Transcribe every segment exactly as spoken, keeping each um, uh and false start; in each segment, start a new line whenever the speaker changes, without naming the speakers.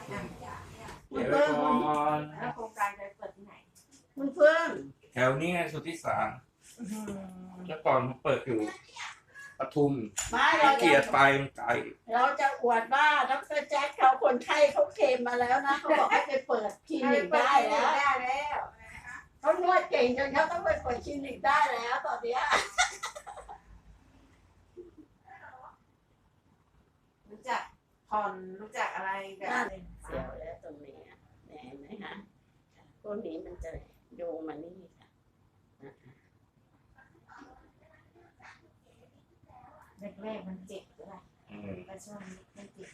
เดี๋ยวไว้ก่อน
แล้วโครงการจะเปิดที่ไหน
คุณเพื่อน
แถวนี้ไงสุทธิสารเมื่อก่อนผมเปิดอยู่ปทุม
ไม่
ขี้
เรา
เกียจ
จะ
ไปมันไกล
เราจะอวดว่าดรแจ็คเขาคนไข้เขาเคลมมาแล้วนะเขาบอกให้ไปเปิดคลินิกได้แล้ว
ได้แล้ว
เขานวดเก่งจนเขาต้องไปเปิดคลินิกได้แล้วตอนเนี้ย
รู้จักผ่อนรู้จักอะไรแบบ
เสียวแล้วตรงนี้อะเห็นไหมคะพวกนี้มันจะโยงมานี่ค่ะ
แรกๆมันเจ็บด้วย
อืม
แต่ช่วงนี้ไม่เจ็บ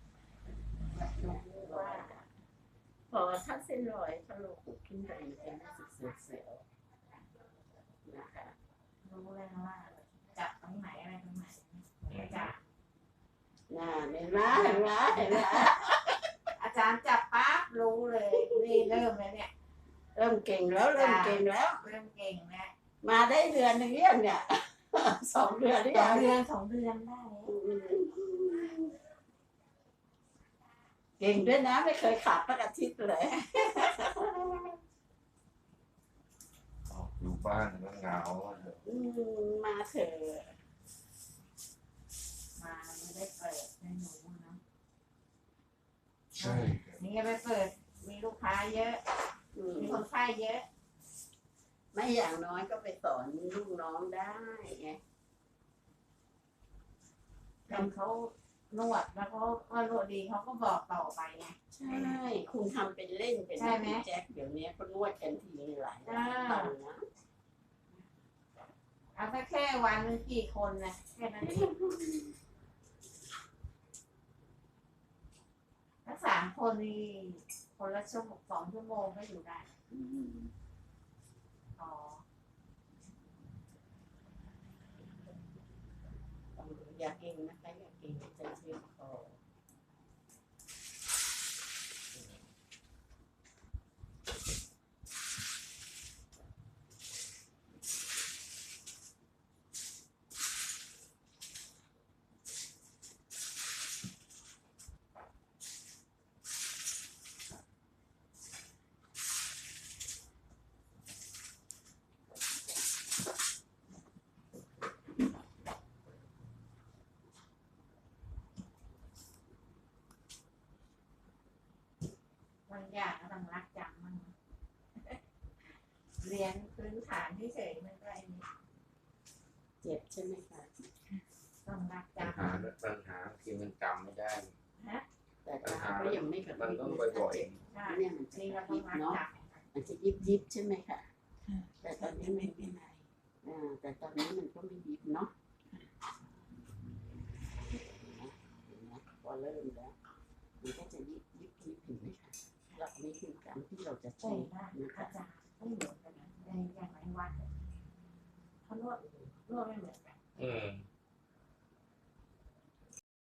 ว่าพอถ้าเส้นรอยถ้าเราขุดขึ้นไปมันจะรู้สึกเสียวๆนะคะ
รู้แล้วว่าจับตรงไหนอะไรตรงไหนไม่จับ
น่าเห็นไหมเห็นไหมเห็นไหม
อาจารย์จับปั๊บรู้เลยนี่เริ่มแล้วเนี่ย
เริ่มเก่งแล้วเริ่มเก่งแล้ว
เริ่มเก่งแล้ว
มาได้เดือนหนึ่งยังเนี่ย สองเดือนหรือ
สอ
ยัง ง
เดือนสองเดือนได้แล้ว
เก่งด้วยนะไม่เคยขาดสักอาทิตย์เลย
ออกอยู่บ้านก็เหงา
อืมมาเถอะ
มาไม่ได้เปิดให้หนูเนาะ
ใช่
นี่ไปเปิดมีลูกค้าเยอะ
อืม
มีคนไข้เยอะ
ไม่อย่างน้อยก็ไปสอนลูกน้องได้ไง
ทำเขานวดแล้วเขาว่านวดดีเขาก็บอกต่อไปไง
ใช่คุณทำเป็นเล่นเป็น
ใช่ไหม
แจ็คเดี๋ยวนี้เขานวดกันทีหลาย
อ่า
ตอนนะ
เอาแค่แค่วันหนึงกี่คนนะแค่นั้นเองทั้งสามคนนี่คนละชั่วโมงสองชั่วโมงก็อยู่ได้
อืม
อ๋อ
อย่าเก่งนะคะอย่าเก่งจะเชื่อมคอ
บางอย่างก็ต้องรักจำมั่งเรียนพื้นฐานที่เฉยๆมันก็ไอ้นี่
เจ็บใช่ไหมคะ
ต้องรัก
ปัญ
จำ
หาปัญหาคือมันจำไม่ได้
แต่ตาก็ยังไม่กระพ
มัน
ริบ
ต้อง
นะ
บ่อย
ใช่
เนี่ยมันจะ
นี่
ก
ก็
ระพ
ต้อ
ริ
ง
บ
รัก
เนาะ
จ
มันจะยิบยิบๆใช่ไหมคะแต่ตอนนี้ไม่เป็นไรอ่าแต่ตอนนี้มันก็ไม่ยิบเนาะเห็นไหมพอเริ่มแล้วมันก็จะยิบยิบยิบเห็นไหมคะหลักนี้คือการที่เราจะ
ำ
ใช้
ใช่ได้
นะ
อา
คะ
จารย์ไม่เหมือนกันนะในอย่างไรวัดเขานวดนวดไม่เหมือนกัน
ๆอืม